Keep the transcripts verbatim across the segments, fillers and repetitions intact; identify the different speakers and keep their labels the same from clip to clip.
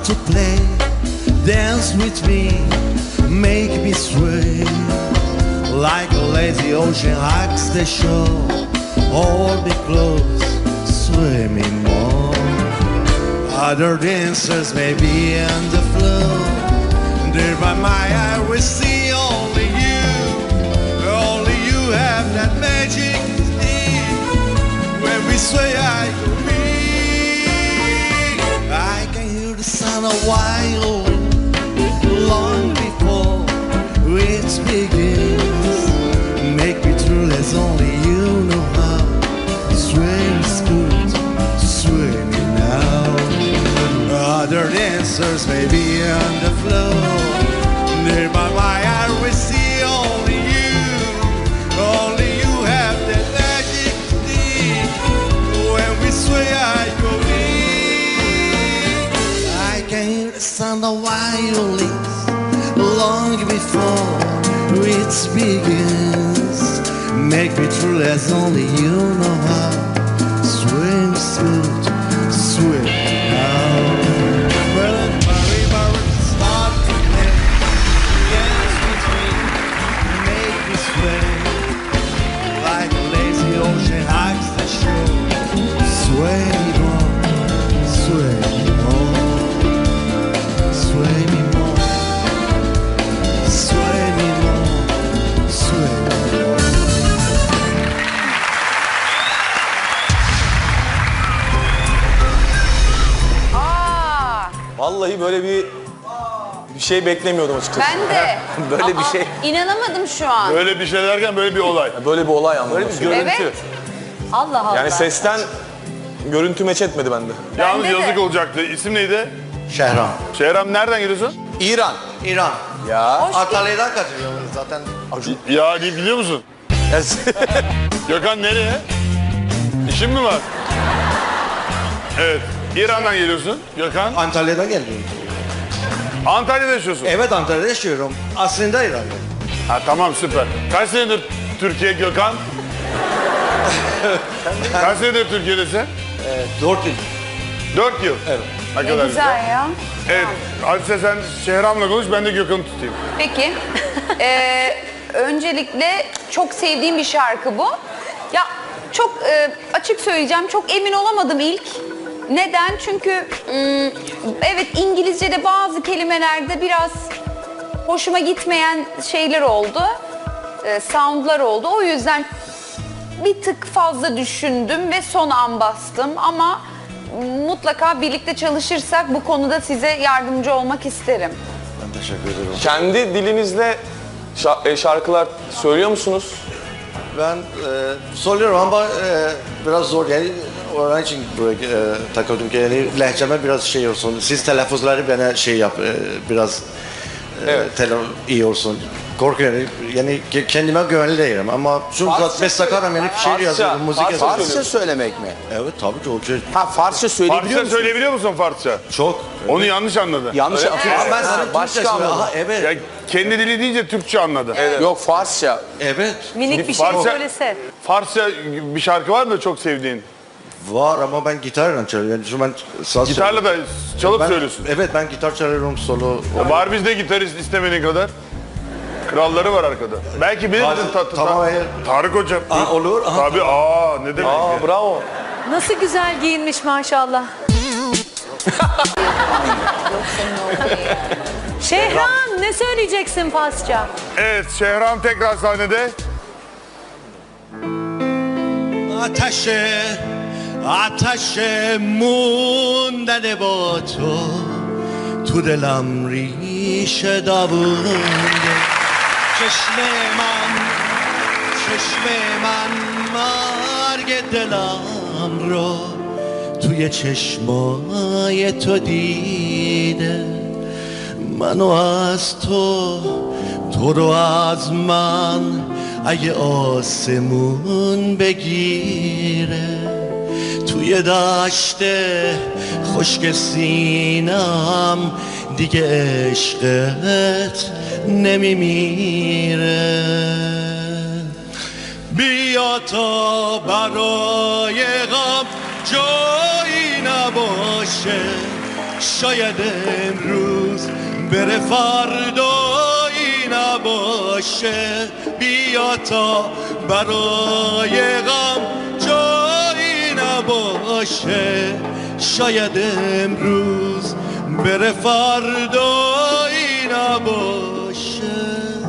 Speaker 1: start to play. Dance with me, make me sway. Like a lazy ocean hugs the shore. Hold me close, sway me more. Other dancers may be on the floor. There by my eye we see only you. Only you have that magic thing. When we sway I go weak. I can hear the sound of violin long before it begins. Make me true as only you know how. Sway is good, sway me now. Other dancers may be on the floor. Near by my eye we see only you. Only you have that magic thing. When we sway I go weak. I can hear the sound of violins long before it begins. Make me true as only you know how. Swing smooth, swing now. Well, Mary, Mary, start to play. Dance with me, make me sway. Like a lazy ocean hugs the shore. Sway me more, sway me more, sway me more, sway me more, sway me more.
Speaker 2: Vallahi böyle bir bir şey beklemiyordum açıkçası.
Speaker 3: Ben de.
Speaker 2: Böyle bir
Speaker 3: Aa,
Speaker 2: şey.
Speaker 3: İnanamadım şu an.
Speaker 4: Böyle bir şey derken böyle bir olay.
Speaker 2: Böyle bir olay anlamında. Böyle bir görüntü.
Speaker 3: Evet. Allah Allah.
Speaker 2: Yani sesten görüntü meç etmedi bende.
Speaker 4: Yalnız
Speaker 3: de.
Speaker 4: yazık olacaktı. İsim neydi?
Speaker 1: Şehram.
Speaker 4: Şehram nereden geliyorsun?
Speaker 2: İran.
Speaker 1: İran.
Speaker 2: Ya.
Speaker 3: Hoş
Speaker 1: Antalya'dan katılıyorum zaten.
Speaker 4: Ya deyip biliyor musun? Gökhan nereye? İşin mi var? Evet. İran'dan geliyorsun Gökhan.
Speaker 1: Antalya'dan geliyorum.
Speaker 4: Antalya'da yaşıyorsun.
Speaker 1: Evet, Antalya'da yaşıyorum. Aslında İran'da.
Speaker 4: Ha tamam süper. Kaç senedir Türkiye Gökhan? Kaç senedir Türkiye'desin?
Speaker 1: Ee, dört yıl.
Speaker 4: Dört yıl.
Speaker 1: Evet.
Speaker 4: Ne
Speaker 3: Ne
Speaker 4: kadar
Speaker 3: güzel ya.
Speaker 4: Evet. Hadise sen Şehram'la konuş, ben de Gökhan'ı tutayım.
Speaker 3: Peki. Ee, öncelikle çok sevdiğim bir şarkı bu. Ya çok e, açık söyleyeceğim, çok emin olamadım ilk. Neden? Çünkü ım, evet İngilizce'de bazı kelimelerde biraz hoşuma gitmeyen şeyler oldu. E, soundlar oldu. O yüzden bir tık fazla düşündüm ve son an bastım. Ama mutlaka birlikte çalışırsak bu konuda size yardımcı olmak isterim.
Speaker 1: Ben teşekkür ederim.
Speaker 2: Kendi dilinizle şa- e, şarkılar söylüyor musunuz?
Speaker 1: Ben e, söylüyorum ama e, biraz zor yani onun için buraya e, takıldım ki yani lehçeme biraz şey olsun. Siz telaffuzları bana şey yap e, biraz e,
Speaker 2: Evet.
Speaker 1: tele, iyi olsun. Korkuyorum yani ke- kendime güvenli değilim ama şu
Speaker 2: Farsça
Speaker 1: beş sakarım yani şiir
Speaker 2: Farsça,
Speaker 1: yazıyorum, müzik
Speaker 2: Farsça
Speaker 1: yazıyorum.
Speaker 2: söylüyorsun.
Speaker 5: söylemek mi?
Speaker 1: Evet tabii ki o şey
Speaker 5: Ha Farsça söyleyebiliyor
Speaker 4: Farsça
Speaker 5: musun?
Speaker 4: söyleyebiliyor musun Farsça?
Speaker 1: çok.
Speaker 4: Onu yanlış anladı.
Speaker 5: Yanlış
Speaker 2: Öyle-
Speaker 5: atıyorum.
Speaker 1: Ama ben sana
Speaker 5: Başka
Speaker 1: Türkçe söylüyorum.
Speaker 5: anladım.
Speaker 1: Aha evet.
Speaker 4: Ya kendi dili deyince Türkçe anladı.
Speaker 5: Yok Farsça.
Speaker 1: Evet.
Speaker 6: Minik bir şey
Speaker 4: Farsça-
Speaker 6: söylese.
Speaker 4: Farsça bir şarkı var mı çok sevdiğin?
Speaker 1: Var ama ben gitarla çalıyorum. Yani şu ben saz
Speaker 4: Gitarla da çalıp
Speaker 1: ben,
Speaker 4: söylüyorsun.
Speaker 1: Evet ben gitar çalıyorum solo.
Speaker 4: Ya var bizde gitarist istemediğin kadar. Kralları var arkada. Belki bilir misin? Ta- ta-
Speaker 1: Tamam, evet.
Speaker 4: Tarık hocam.
Speaker 1: Aa, olur. Aha.
Speaker 4: Tabii aa ne demek
Speaker 2: Aa
Speaker 4: ya.
Speaker 2: bravo.
Speaker 6: Nasıl güzel giyinmiş maşallah. Şehram ne söyleyeceksin Farsça?
Speaker 4: Evet Şehram tekrar sahnede.
Speaker 1: آتش آتش موندن با تو تو دلم ریشه دوونده چشم من چشم من مرگ دلم رو توی چشمای تو دیده منو از تو تو رو از من اگه آسمون بگیره توی دشت خشک سینم دیگه عشقت نمیمیره بیا تا برای غم جایی نباشه شاید امروز بره فردا نباشه بیا تا برای غم جایی نباشه شاید امروز بره فردایی نباشه.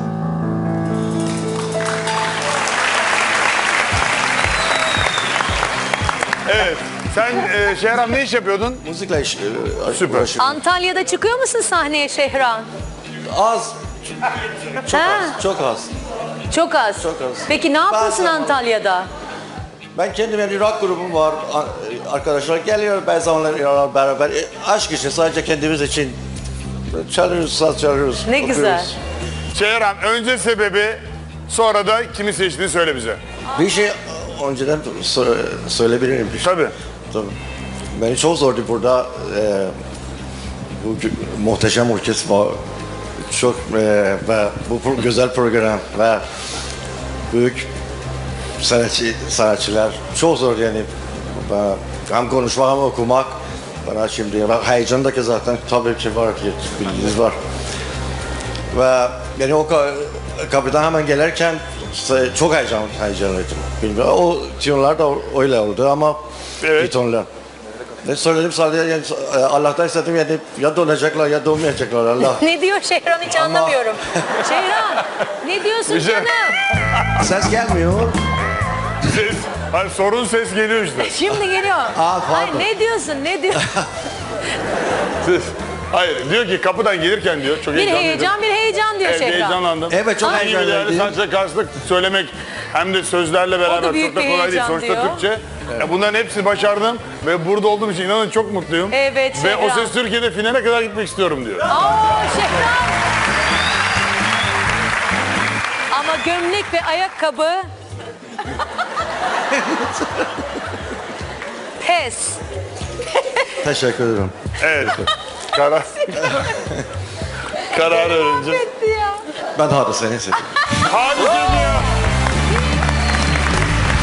Speaker 4: Evet. Sen e, Şehram ne iş yapıyordun?
Speaker 5: Müzikle iş, e,
Speaker 4: Süper.
Speaker 5: uğraşıyorum.
Speaker 6: Antalya'da çıkıyor musun sahneye Şehran?
Speaker 5: Az. Çok
Speaker 6: Ha.
Speaker 5: az. Çok az.
Speaker 6: Çok az.
Speaker 5: Çok az.
Speaker 6: Peki ne yapıyorsun
Speaker 5: zaman-
Speaker 6: Antalya'da?
Speaker 5: Ben kendim bir rock grubum var. A- Arkadaşlar geliyor, bazı zamanlar beraber. E, aşk için, sadece kendimiz için çalıyoruz, saz çalıyoruz.
Speaker 6: Ne güzel.
Speaker 5: okuyoruz.
Speaker 4: Şehram önce sebebi sonra da kimi seçtiğini söyle bize.
Speaker 5: Bir şey önceden sö- söyleyebilirim. Bir şey.
Speaker 4: Tabii.
Speaker 5: Tabii. Beni çok zordu burada. E, bu gü- muhteşem orkestra çok e, ve bu pro- güzel program ve büyük sanatçı, sanatçılar çok zor yani. Ve hem konuşmak hem okumak bana şimdi ve heyecandaki zaten tabii ki var ki bilginiz var. Ve yani o ka- kapıdan hemen gelirken se- çok heyecan, heyecanlıydım. Bilmiyorum. O tiyonlar da öyle oldu ama
Speaker 4: Evet.
Speaker 5: bir tonlar. Ne söyledim sadece yani, e, Allah'tan istedim yani ya donacaklar ya donmayacaklar Allah.
Speaker 6: Ne diyor Şehran hiç
Speaker 5: Ama-
Speaker 6: anlamıyorum. Şehran ne diyorsun
Speaker 4: Güzel.
Speaker 6: canım?
Speaker 5: Ses gelmiyor.
Speaker 4: Ses, hani sorun ses geliyor işte.
Speaker 6: Şimdi geliyor.
Speaker 5: Aa, pardon.
Speaker 6: Ay ne diyorsun ne diyorsun?
Speaker 4: Ses. Hayır diyor ki kapıdan gelirken diyor çok
Speaker 6: bir
Speaker 4: heyecanlıydım.
Speaker 6: heyecan bir heyecan diyor
Speaker 4: Evet,
Speaker 6: Şehran.
Speaker 4: heyecanlandım.
Speaker 5: Evet, çok
Speaker 4: Dediği gibi değerli
Speaker 5: heyecanlıydım.
Speaker 4: sanatçıya karşılık söylemek hem de sözlerle beraber
Speaker 6: büyük
Speaker 4: çok da
Speaker 6: bir
Speaker 4: kolay değil.
Speaker 6: heyecan
Speaker 4: Sonuçta
Speaker 6: diyor.
Speaker 4: Türkçe. Ya bunların hepsini başardım ve burada olduğum için inanın çok mutluyum.
Speaker 6: Evet,
Speaker 4: Ve o
Speaker 6: Şehram.
Speaker 4: ses Türkiye'de finale kadar gitmek istiyorum diyor.
Speaker 6: Aa Şehran. Ama gömlek ve ayakkabı. Pes.
Speaker 5: Teşekkür ederim.
Speaker 4: Evet. Karar. Karar öğrenci.
Speaker 6: Etti ya.
Speaker 5: Ben hadi seni seviyorum.
Speaker 4: Hadise